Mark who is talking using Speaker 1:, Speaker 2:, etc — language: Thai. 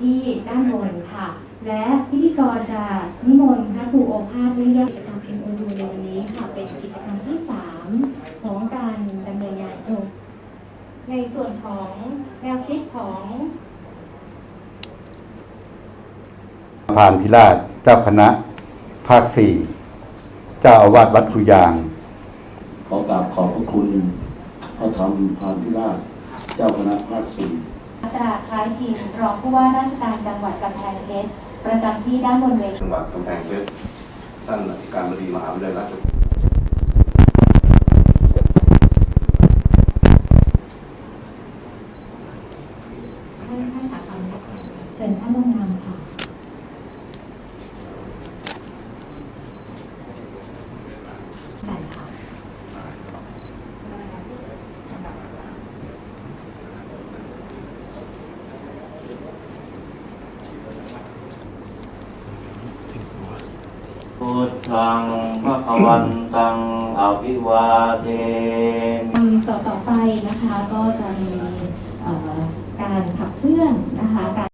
Speaker 1: ที่ด้านบนค่ะและพิธีกรจะนิมนต์พระครูโอภาสวิริยะกิจกรรม MOU ในวันนี้ค่ะเป็นกิจกรรมที่ 3ของการดำเนินงานในส่วนของแนวคิดของ
Speaker 2: พานพิราชเจ้าคณะภาค 4 เจ้าอาวาสวัดคุยาง
Speaker 3: ขอกราบขอบพระคุณพระธรรมพานพิราชเจ้าคณะภาค 4
Speaker 1: ตราคล้ายทีมรองผู้ว่าราชการจังหวัดกำแพงเพชรประจำที่ด้านบนเวที
Speaker 4: จังหวัดกำแพงเพชรท่านอธิการบดีมหาวิทยาลัยราชภัฏ
Speaker 1: ท่านค่ะเชิญท่านลงนามค่ะได้ค่ะ
Speaker 5: พุทธังภวันตังอภิวาเทมิ
Speaker 1: ต่อไปนะคะก็จะมีการขับเคลื่อนนะคะ